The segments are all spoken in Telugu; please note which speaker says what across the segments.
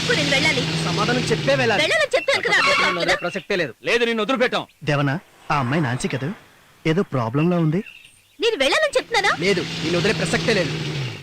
Speaker 1: ఒప్పుకో, నేను వెళ్ళాలి.
Speaker 2: సమాధానం చెప్పే వెళ్ళాలి.
Speaker 1: వెళ్ళాలని చెప్తాను కదా, అర్థం కావట్లేదా?
Speaker 2: ప్రసక్తే లేదు. లేదు, నిన్ను వదిలిపెట్టాం.
Speaker 3: దేవనా, ఆ అమ్మాయి నాన్సీ కదా, ఏదో ప్రాబ్లంలో ఉంది.
Speaker 1: నేను వెళ్ళాలని చెప్తున్నానా?
Speaker 2: లేదు, నిన్ను వదిలే ప్రసక్తే లేదు.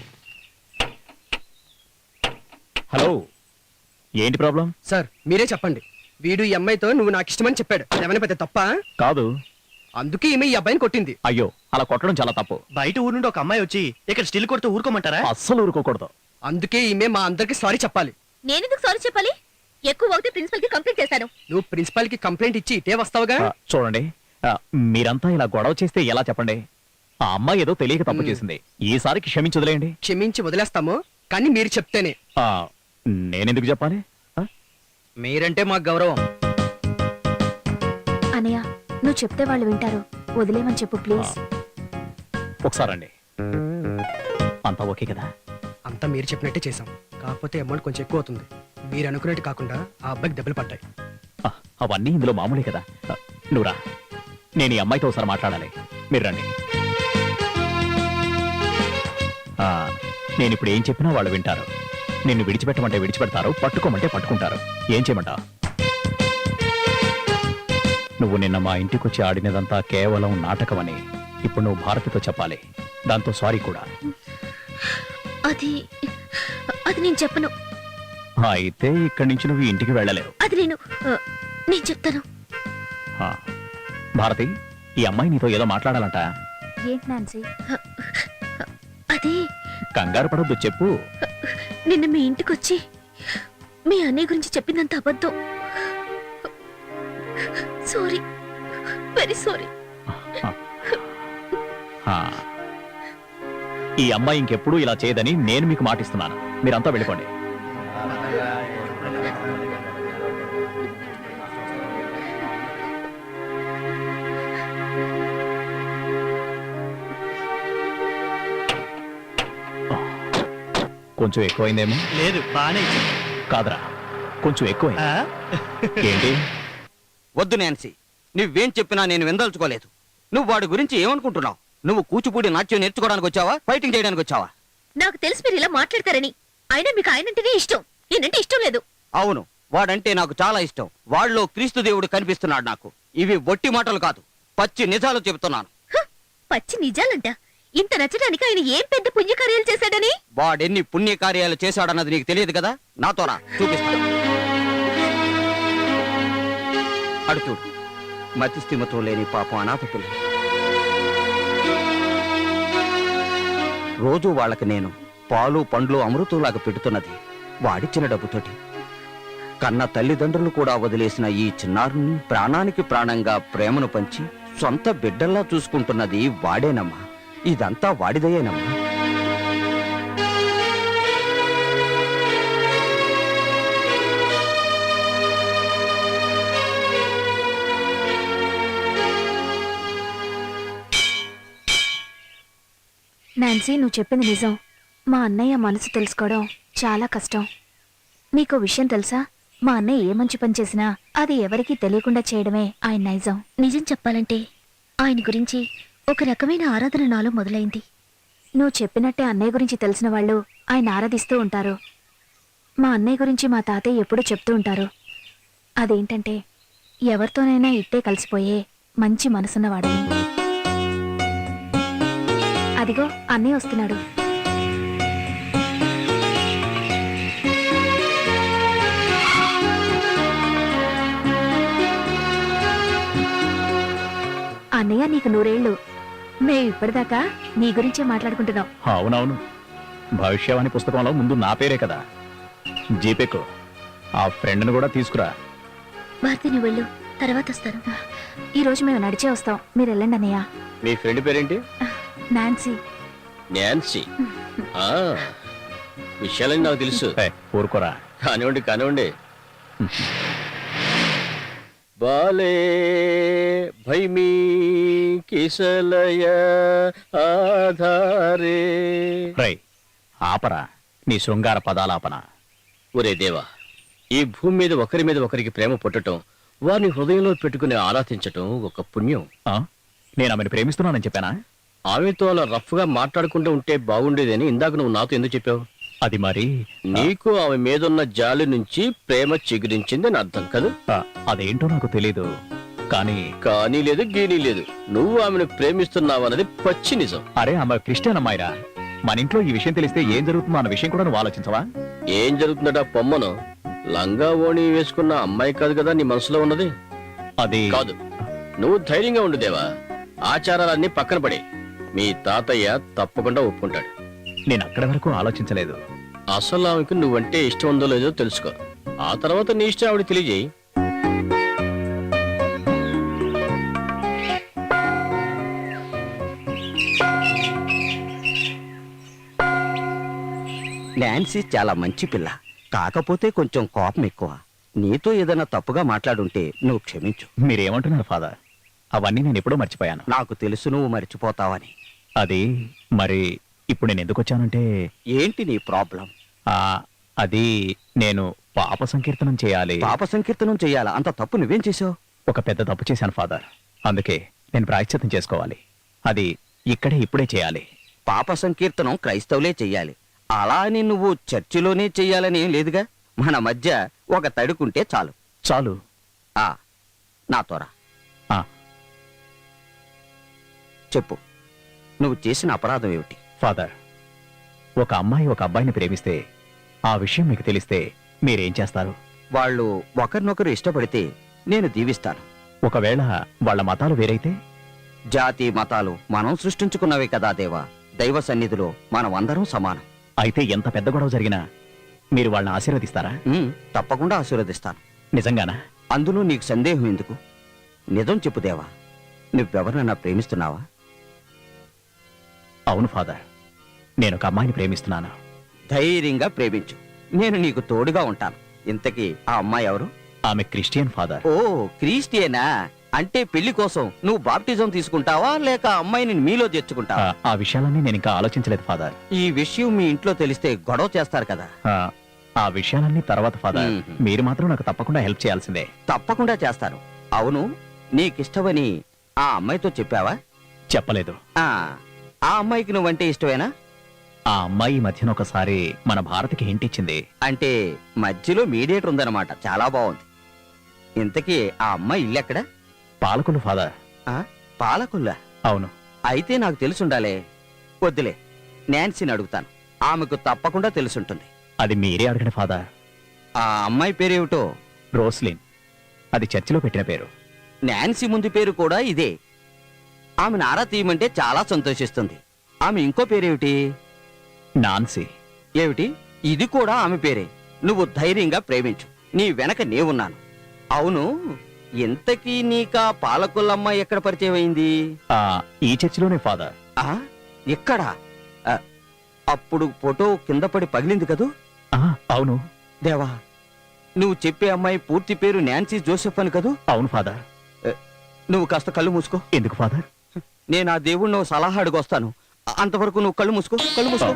Speaker 4: హలో, ఏంటి ప్రాబ్లం?
Speaker 2: సార్ మీరే చెప్పండి. వీడు ఈ అమ్మాయితో నువ్వు నాకు ఇష్టమని చెప్పాడు. ఏమైనా పెద్ద తప్ప?
Speaker 4: కాదు.
Speaker 2: అందుకే ఈమె ఈ అబ్బాయిని కొట్టింది.
Speaker 4: అయ్యో, అలా కొట్టడం చాలా తప్పు.
Speaker 3: బయట ఊరు నుండి ఒక అమ్మాయి వచ్చి ఇక్కడ స్టిల్ కొడుతూ ఊరుకోమంటారా?
Speaker 4: అస్సలు ఊరుకోకూడదు.
Speaker 2: అందుకే ఈమె మా అందరికి సారీ చెప్పాలి.
Speaker 1: నేనెందుకు సారీ చెప్పాలి? ఎక్కువ అవుతే ప్రిన్సిపల్ కి కంప్లైంట్ చేశాను.
Speaker 2: నువ్వు ప్రిన్సిపాల్ కి కంప్లైంట్ ఇచ్చి ఇటే వస్తావుగా.
Speaker 4: చూడండి, మీరంతా ఇలా గొడవ చేస్తే ఎలా చెప్పండి? ఆ అమ్మాయి ఏదో తెలియక తప్పు చేసింది. ఈసారికి క్షమించి వదిలేయండి.
Speaker 2: క్షమించి వదిలేస్తాము, కానీ మీరు చెప్తేనే.
Speaker 4: నేనెందుకు చెప్పాలి?
Speaker 2: మీరంటే మాకు గౌరవం.
Speaker 1: అనయ్య, నువ్వు చెప్తే వాళ్ళు వింటారు. వదిలేమని చెప్పు ప్లీజ్.
Speaker 4: ఒకసారండి. అంతా ఓకే కదా?
Speaker 2: అంతా మీరు చెప్పినట్టే చేసాం. కాకపోతే అమౌంట్ కొంచెం ఎక్కువ అవుతుంది. మీరు అనుకున్నట్టు కాకుండా ఆ అబ్బాయికి దెబ్బలు పడ్డాయి.
Speaker 4: అవన్నీ ఇందులో మామూలే కదా. నువ్వురా, నేను ఈ అమ్మాయితో ఒకసారి మాట్లాడాలి. మీరు రండి. నేను ఇప్పుడు ఏం చెప్పినా వాళ్ళు వింటారు. నిన్ను విడిచిపెట్టమంటే విడిచిపెడతారు, పట్టుకోమంటే పట్టుకుంటారు. ఏం చేయమంటావు? నువ్వు నిన్న మా ఇంటికి వచ్చి ఆడినదంతా కేవలం నాటకమని ఇప్పుడు నువ్వు భారతితో చెప్పాలి. దాంతో సారీ కూడా.
Speaker 1: అది నేను చెప్పను.
Speaker 4: అయితే ఇక్కడి నుంచి నువ్వు ఇంటికి వెళ్ళలేవు.
Speaker 1: అది నేను చెప్తాను.
Speaker 4: భారతి, ఈ అమ్మాయి నీతో ఏదో మాట్లాడాలంట.
Speaker 1: ఏంటి నాన్సీ? అది
Speaker 4: కంగారు పడొద్దు, చెప్పు.
Speaker 1: నిన్న మీ ఇంటికి వచ్చి మీ అన్నయ్య గురించి చెప్పిందంత అబద్ధం. Sorry, very sorry.
Speaker 4: ఈ అమ్మాయి ఇంకెప్పుడు ఇలా చేయదని నేను మీకు మాటిస్తున్నాను. మీరంతా వెళ్ళిపోండి. కొంచెం ఎక్కువైందేమో.
Speaker 3: లేదు, బానే
Speaker 4: కాదరా, కొంచెం ఎక్కువైంది. ఏంటి?
Speaker 5: వద్దు నాన్సీ, నువ్వేం చెప్పినా నేను విందల్చుకోలేదు. నువ్వు వాడి గురించి ఏమనుకుంటున్నావు? నువ్వు కూచిపూడి నాట్యం నేర్చుకోవడానికి వచ్చావా, ఫైటింగ్ చేయడానికి వచ్చావా?
Speaker 1: నాకు తెలిసి మీరు ఇలా మాట్లాడతారని. అయినా మీకు ఆయనంటేనే ఇష్టం, నేనంటే ఇష్టం లేదు.
Speaker 5: అవును, వాడంటే నాకు చాలా ఇష్టం. వాళ్ళలో క్రీస్తు దేవుడు కనిపిస్తున్నాడు నాకు. ఇవి ఒట్టి మాటలు కాదు, పచ్చి నిజాలు చెబుతున్నాను.
Speaker 1: పచ్చి నిజాలంట. ఇంత నచ్చడానికి ఆయన ఏం పెద్ద పుణ్యకార్యాలు చేశాడని?
Speaker 5: వాడెన్ని పుణ్యకార్యాలు చేశాడన్నది నీకు తెలియదు కదా. నాతో రా, చూపిస్తాను. అడు చూడు, మతిస్థిమతో లేని పాపం అనాథ పిల్లలు. రోజు వాళ్ళకి నేను పాలు పండ్లు అమృతంలాగా పెడుతున్నది వాడిచ్చిన డబ్బుతోటి. కన్న తల్లిదండ్రులు కూడా వదిలేసిన ఈ చిన్నారుని ప్రాణానికి ప్రాణంగా ప్రేమను పంచి సొంత బిడ్డల్లా చూసుకుంటున్నది వాడేనమ్మా. ఇదంతా వాడిదయేనమ్మా.
Speaker 1: నాన్సీ, నువ్వు చెప్పింది నిజం. మా అన్నయ్య మనసు తెలుసుకోవడం చాలా కష్టం. నీకో విషయం తెలుసా? మా అన్నయ్య ఏ మంచి పని చేసినా అది ఎవరికీ తెలియకుండా చేయడమే ఆయన నైజం. నిజం చెప్పాలంటే ఆయన గురించి ఒక రకమైన ఆరాధన నాలో మొదలైంది. నువ్వు చెప్పినట్టే అన్నయ్య గురించి తెలిసిన వాళ్ళు ఆయన ఆరాధిస్తూ ఉంటారు. మా అన్నయ్య గురించి మా తాతయ్య ఎప్పుడూ చెప్తూ ఉంటారు. అదేంటంటే ఎవరితోనైనా ఇట్టే కలిసిపోయే మంచి మనసున్నవాడని. అదిగో అన్నయ్య వస్తున్నాడు. అన్నయ్య, నీకు 100 ఏళ్ళు. మేము ఇప్పటిదాకా నీ గురించే మాట్లాడుకుంటున్నాం.
Speaker 4: అవునవును, భవిష్యవాణి పుస్తకంలో ముందు నా పేరే కదా. జీపేకు ఆ ఫ్రెండ్ను కూడా తీసుకురా.
Speaker 1: భారతి, నువ్వు వెళ్ళు, తర్వాత వస్తాను. ఈ రోజు మేము నడిచే వస్తాం, మీరు వెళ్ళండి అన్నయ్య.
Speaker 5: మీ ఫ్రెండ్ పేరేంటి?
Speaker 1: నాన్సీ.
Speaker 5: నాన్సీ? విషయాలని నాకు తెలుసు.
Speaker 4: ఊరుకోరా.
Speaker 5: కానివ్వండి కానివ్వండి. బాలే భైమీ కిసలయ ఆధారే.
Speaker 4: రై, ఆపరా నీ శృంగార పదాలాపన.
Speaker 5: ఒరే దేవా, ఈ భూమి మీద ఒకరి మీద ఒకరికి ప్రేమ పుట్టడం, వారిని హృదయంలో పెట్టుకుని ఆరాధించటం ఒక పుణ్యం.
Speaker 4: నేను ఆమెను ప్రేమిస్తున్నానని చెప్పానా?
Speaker 5: ఆమెతో అలా రఫ్ గా మాట్లాడుకుంటూ ఉంటే బాగుండేదని ఇందాక నువ్వు నాతో ఎందుకు చెప్పావు?
Speaker 4: అది మరి
Speaker 6: నీకు ఆమె మీదున్న జాలి నుంచి ప్రేమ చిగురించిందని అర్థం కదా.
Speaker 4: ఆ, అదేంటో నాకు తెలీదు. కానీ
Speaker 6: కానీ లేదు గీనీ లేదు, నువ్వు ఆమెను ప్రేమిస్తున్నావన్నది పచ్చి నిజం.
Speaker 4: అరే ఆమె క్రిస్టియన్ అమ్మాయిరా. మన ఇంట్లో ఈ విషయం తెలిస్తే ఏం జరుగుతుందో అన్న విషయం కూడా నువ్వు ఆలోచించవా?
Speaker 6: ఏం జరుగుతుందట పొమ్మను? లంగా ఓణి వేసుకున్న అమ్మాయి కాదు కదా నీ మనసులో ఉన్నది.
Speaker 4: అది
Speaker 6: కాదు, నువ్వు ధైర్యంగా ఉండు దేవా. ఆచారాలన్నీ పక్కన పడే, మీ తాతయ్య తప్పకుండా ఒప్పుకుంటాడు.
Speaker 4: నేను అక్కడి వరకు ఆలోచించలేదు.
Speaker 6: అసలు ఆమెకు నువ్వంటే ఇష్టం ఉందో లేదో తెలుసుకో. ఆ తర్వాత నీ ఇష్టం ఆవిడ తెలియజేయి.
Speaker 5: నాన్సీ చాలా మంచి పిల్ల, కాకపోతే కొంచెం కోపం ఎక్కువ. నీతో ఏదైనా తప్పుగా మాట్లాడుంటే నువ్వు క్షమించు.
Speaker 4: మీరేమంటున్నారు ఫాదర్? అవన్నీ నేను ఎప్పుడో మర్చిపోయాను.
Speaker 5: నాకు తెలుసు నువ్వు మర్చిపోతావని.
Speaker 4: అది మరి ఇప్పుడు నేను ఎందుకు వచ్చానంటే
Speaker 5: ఏంటి నీ ప్రాబ్లం?
Speaker 4: ఆ, అది నేను పాప సంకీర్తనం చేయాలి.
Speaker 5: పాప సంకీర్తనం చెయ్యాలా? అంత తప్పు నువ్వేం చేసావు?
Speaker 4: ఒక పెద్ద తప్పు చేశాను ఫాదర్. అందుకే నేను ప్రాయశ్చిత్తం చేసుకోవాలి. అది ఇప్పుడే చేయాలి.
Speaker 5: పాప సంకీర్తనం క్రైస్తవులే చెయ్యాలి, అలా అని నువ్వు చర్చిలోనే చెయ్యాలని ఏం లేదుగా. మన మధ్య ఒక తడుకుంటే చాలు.
Speaker 4: చాలు.
Speaker 5: ఆ నాతోరా.
Speaker 4: ఆ,
Speaker 5: చెప్పు, నువ్వు చేసిన అపరాధం ఏమిటి?
Speaker 4: ఫాదర్, ఒక అమ్మాయి ఒక అబ్బాయిని ప్రేమిస్తే ఆ విషయం మీకు తెలిస్తే మీరేం చేస్తారు?
Speaker 5: వాళ్ళు ఒకరినొకరు ఇష్టపడితే నేను దీవిస్తాను.
Speaker 4: ఒకవేళ వాళ్ళ మతాలు వేరైతే?
Speaker 5: జాతి మతాలు మనం సృష్టించుకున్నవే కదా దేవా. దైవ సన్నిధిలో మనం అందరం సమానం.
Speaker 4: అయితే ఎంత పెద్ద గొడవ జరిగినా మీరు వాళ్ళని ఆశీర్వదిస్తారా?
Speaker 5: తప్పకుండా ఆశీర్వదిస్తాను.
Speaker 4: నిజంగానా?
Speaker 5: అందులో నీకు సందేహం ఎందుకు? నిజం చెప్పు దేవా, నువ్వెవరినన్నా ప్రేమిస్తున్నావా?
Speaker 4: అవును ఫాదర్, నేను ఒక అమ్మాయిని ప్రేమిస్తున్నాను.
Speaker 5: ధైర్యంగా ప్రేమించు, నేను నీకు తోడుగా ఉంటాను. ఇంతకీ ఆ అమ్మాయి ఎవరు?
Speaker 4: ఆమె క్రిస్టియన్ ఫాదర్.
Speaker 5: ఓ, క్రిస్టియనా? అంటే పెళ్లి కోసం నువ్వు బాప్టిజం తీసుకుంటావా లేక అమ్మాయిని మీలో చేర్చుకుంటావా?
Speaker 4: ఆ విషయాలన్నీ నేను ఇంకా ఆలోచించలేదు ఫాదర్.
Speaker 5: ఈ విషయం మీ ఇంట్లో తెలిస్తే గొడవ చేస్తారు కదా.
Speaker 4: ఆ విషయాలన్నీ తర్వాత ఫాదర్.
Speaker 5: మ్మ్.
Speaker 4: మీరు మాత్రం నాకు తప్పకుండా హెల్ప్ చేయాల్సిందే.
Speaker 5: తప్పకుండా చేస్తాను. అవును, నీకిష్టమని ఆ అమ్మాయితో చెప్పావా?
Speaker 4: చెప్పలేదు.
Speaker 5: ఆ ఆ అమ్మాయికి నువ్వంటే ఇష్టమేనా?
Speaker 4: ఆ అమ్మాయి ఈ మధ్యన ఒకసారి మన భారత్కి హింట్ ఇచ్చింది.
Speaker 5: అంటే మధ్యలో మీడియేటర్ ఉందన్నమాట. చాలా బాగుంది. ఇంతకీ ఆ అమ్మాయి ఇల్లెక్కడ?
Speaker 4: పాలకులు ఫాదర్.
Speaker 5: పాలకుల్లా?
Speaker 4: అవును.
Speaker 5: అయితే నాకు తెలుసుండాలే. వద్దులే, నాన్సీని అడుగుతాను, ఆమెకు తప్పకుండా తెలుసుంటుంది.
Speaker 4: అది మీరే అడగండి ఫాదర్.
Speaker 5: ఆ అమ్మాయి పేరేమిటో?
Speaker 4: రోస్లిన్. అది చర్చిలో పెట్టిన పేరు.
Speaker 5: నాన్సీ ముందు పేరు కూడా ఇదే. ఆమెను ఆరా తీయమంటే చాలా సంతోషిస్తుంది. ఆమె ఇంకో పేరేమిటి?
Speaker 4: నాన్సీ.
Speaker 5: ఏమిటి? ఇది కూడా ఆమె పేరే. నువ్వు ధైర్యంగా ప్రేమించు, నీ వెనక నేనున్నాను. అవును, ఇంతకీ నీకా పాలకులమ్మాయి ఎక్కడ పరిచయం అయింది?
Speaker 4: ఈ చర్చిలోనే ఫాదర్.
Speaker 5: ఇక్కడ? అప్పుడు ఫోటో కింద పడి పగిలింది కదూ?
Speaker 4: అవును.
Speaker 5: దేవా, నువ్వు చెప్పే అమ్మాయి పూర్తి పేరు నాన్సీ జోసెఫ్ అని కదూ?
Speaker 4: అవును ఫాదర్.
Speaker 5: నువ్వు కాస్త కళ్ళు మూసుకో.
Speaker 4: ఎందుకు ఫాదర్?
Speaker 5: నేను ఆ దేవుణ్ణి ఓ సలహా అడుగొస్తాను. అంతవరకు నువ్వు కళ్ళు మూసుకో, కళ్ళు మూసుకో.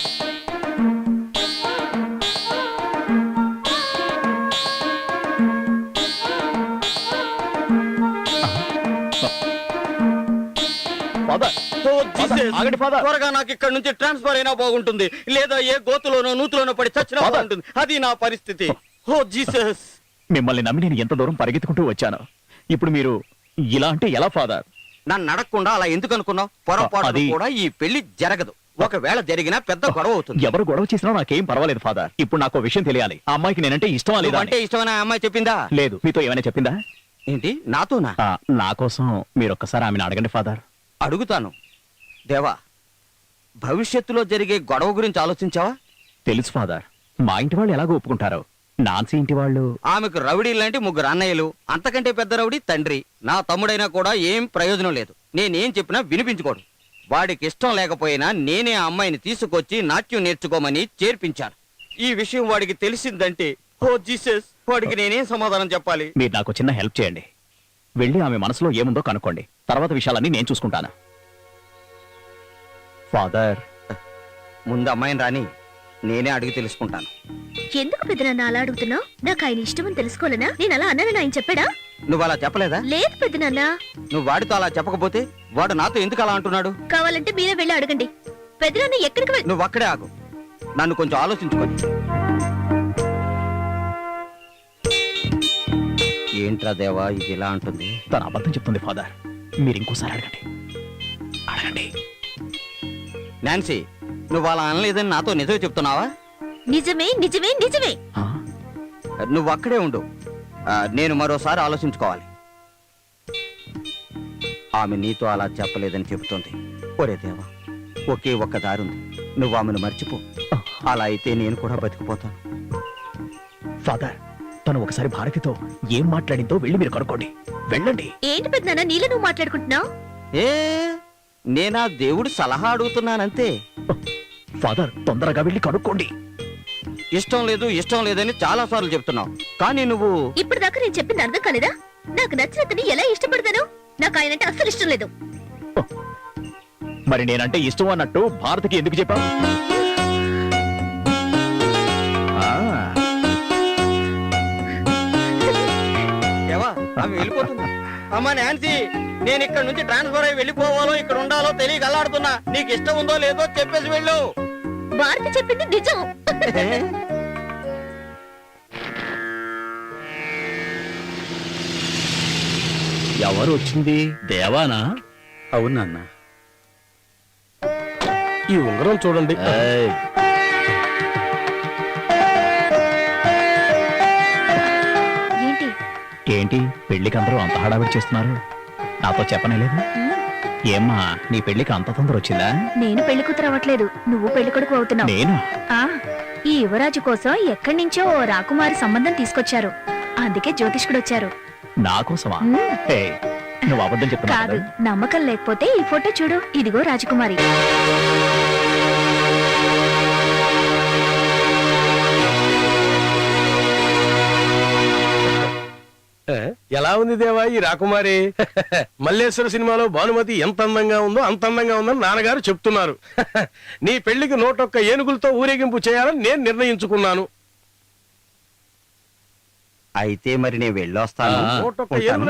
Speaker 4: ఆగండి ఫాదర్.
Speaker 5: త్వరగా నాకు ఇక్కడ నుంచి ట్రాన్స్ఫర్ అయినా బాగుంటుంది, లేదా ఏ గోతులోనో నూతులోనో పడి చచ్చినా బాగుంటుంది. అది నా పరిస్థితి. Oh Jesus!
Speaker 4: మిమ్మల్ని నమ్మి నేను ఎంత దూరం పరిగెత్తుకుంటూ వచ్చాను. ఇప్పుడు మీరు ఇలా అంటే ఎలా ఫాదర్?
Speaker 5: నన్ను అడగకుండా అలా ఎందుకు అనుకున్నావు? పొరపాటు కూడా ఈ పెళ్లి జరగదు. ఒకవేళ జరిగినా పెద్ద గొడవ అవుతుంది.
Speaker 4: ఎవరు గొడవ చేసినా నాకేం పర్వాలేదు ఫాదర్. ఇప్పుడు నాకు విషయం తెలియాలి. ఆ అమ్మాయికి నేనంటే ఇష్టమా లేదా?
Speaker 5: అంటే ఇష్టమైన అమ్మాయి చెప్పిందా?
Speaker 4: లేదు. మీతో ఏమైనా చెప్పిందా?
Speaker 5: ఏంటి? నాతోనా?
Speaker 4: నా కోసం మీరు ఒక్కసారి ఆమెను అడగండి ఫాదర్.
Speaker 5: అడుగుతాను. దేవా, భవిష్యత్తులో జరిగే గొడవ గురించి ఆలోచించావా?
Speaker 4: తెలుసు ఫాదర్. మా ఇంటి వాళ్ళు ఎలాగో ఒప్పుకుంటారో. నాన్సీ ఇంటి వాళ్ళు?
Speaker 5: ఆమెకు రౌడీ లాంటి 3 అన్నయ్యలు, అంతకంటే పెద్ద రౌడీ తండ్రి. నా తమ్ముడైనా కూడా ఏం ప్రయోజనం లేదు. నేనేం చెప్పినా వినిపించుకోడు. వాడికి ఇష్టం లేకపోయినా నేనే ఆ అమ్మాయిని తీసుకొచ్చి నాట్యం నేర్చుకోమని చేర్పించాను. ఈ విషయం వాడికి తెలిసిందంటే, ఓ జీసస్, వాడికి నేనేం సమాధానం చెప్పాలి?
Speaker 4: మీరు నాకు చిన్న హెల్ప్ చేయండి. వెళ్ళి ఆమె మనసులో ఏముందో కనుక్కోండి. తర్వాత విషయాలన్నీ నేను చూసుకుంటాను. ఫాదర్,
Speaker 5: ముందు అమ్మాయిని రాని, నేనే అడిగి తెలుసుకుంటాను.
Speaker 1: ఎందుకు పెద్దనాన్న అలా అడుగుతున్నావు? నాకు ఆయన ఇష్టమని తెలుసుకోలేనా? నేను అలా అన్నానని ఆయన చెప్పాడా?
Speaker 5: నువ్వు అలా చెప్పలేదా?
Speaker 1: లేదు పెద్దనాన్న.
Speaker 5: నువ్వు వాడితో అలా చెప్పకపోతే వాడు నాతో ఎందుకు అలా అంటున్నాడు?
Speaker 1: కావాలంటే మీరే వెళ్ళి అడగండి. పెద్దనాన్న ఎక్కడికి
Speaker 5: నువ్వు అక్కడే ఆగు. నన్ను కొంచెం ఆలోచించుకొని. ఏంట్రా దేవా ఇది ఇలా అంటుంది?
Speaker 4: తన అబద్ధం చెప్తుంది ఫాదర్. మీరు ఇంకోసారి అడగండి. అడగండి.
Speaker 5: నాన్సీ, నువ్వు అలా అనలేదని నాతో నిజమే చెప్తున్నావా?
Speaker 1: నిజమే నిజమే నిజమే.
Speaker 4: ఆ?
Speaker 5: నువ్వు అక్కడే ఉండు. నేను మరోసారి ఆలోచించుకోవాలి. ఆమె నీతో అలా చెప్పలేదని చెబుతోంది. ఒరే దేవా, ఒకే ఒక్క దారుంది. నువ్వు ఆమెను మర్చిపో. అలా అయితే నేను కూడా బతికిపోతాను.
Speaker 4: ఫాదర్, తను ఒకసారి భారతితో ఏం మాట్లాడిందో వెళ్ళి మీరు కనుక్కోండి. వెళ్ళండి.
Speaker 1: ఏంటి పెద్దనాన్న నీళ్ళు నువ్వు మాట్లాడుకుంటున్నావు?
Speaker 5: ఏ నేనా దేవుడు సలహా అడుగుతున్నానంతే.
Speaker 4: ఫాదర్, తొందరగా వెళ్ళి కనుక్కోండి.
Speaker 5: ఇష్టం లేదు ఇష్టం లేదని చాలా సార్లు చెప్తున్నావు, కానీ నువ్వు
Speaker 1: ఇప్పుడు దాకా నేను చెప్పింది అర్థం కాలేదా? నాకు నచ్చినతని ఎలా ఇష్టపడతాను? నాకు ఆయనంటే అస్సలు ఇష్టం లేదు.
Speaker 4: మరి నేనంటే ఇష్టం అన్నట్టు భారతికి ఎందుకు చెప్పావు?
Speaker 5: ఏవా ఆమె వెళ్ళిపోతుంది. అమ్మా నాన్సీ, నేను ఇక్కడ నుంచి ట్రాన్స్ఫర్ అయ్యి వెళ్ళిపోవాలో ఇక్కడ ఉండాలో తెలియక అల్లాడుతున్నా. నీకు ఇష్టం ఉందో లేదో చెప్పేసి వెళ్ళు.
Speaker 1: భారతి చెప్పింది నిజం.
Speaker 4: ఎవరు వచ్చింది? దేవానా?
Speaker 6: అవునన్నా, ఈ ఉంగరం చూడండి.
Speaker 4: ఏయ్,
Speaker 1: ఏంటి?
Speaker 4: ఏంటి పెళ్లికి అందరూ అంత హడావిడి చేస్తున్నారు? నాతో చెప్పనే లేదు. ఏమ్మా, నీ పెళ్లికి అంత తొందర వచ్చిందా?
Speaker 1: నేను పెళ్లి కూతురు అవ్వట్లేదు, నువ్వు పెళ్లి కొడుకు అవుతున్నావు.
Speaker 4: నేను
Speaker 1: ఆ ఈ యువరాజు కోసం ఎక్కడి నుంచో ఓ రాకుమారి సంబంధం తీసుకొచ్చారు. అందుకే జ్యోతిష్కుడు వచ్చారు.
Speaker 4: నా కోసమా?
Speaker 1: మ్మ్.
Speaker 4: ఏయ్, నువ్వు అబద్ధం చెప్తున్నావు
Speaker 1: కాదు,
Speaker 4: కదా?
Speaker 1: నమ్మకం లేకపోతే ఈ ఫోటో చూడు. ఇదిగో రాజకుమారి.
Speaker 7: ఎలా ఉంది దేవా ఈ రాకుమారి? మల్లేశ్వర సినిమాలో భానుమతి ఎంత అందంగా ఉందో అంత అందంగా ఉందని నాన్నగారు చెప్తున్నారు. నీ పెళ్లికి 101 ఏనుగులతో ఊరేగింపు చేయాలని నేను నిర్ణయించుకున్నాను.
Speaker 5: అయితే మరి నేను వెళ్ళొస్తాను.
Speaker 4: ఆ,
Speaker 7: 101
Speaker 5: ఉంటాను.
Speaker 7: ఏనుగులు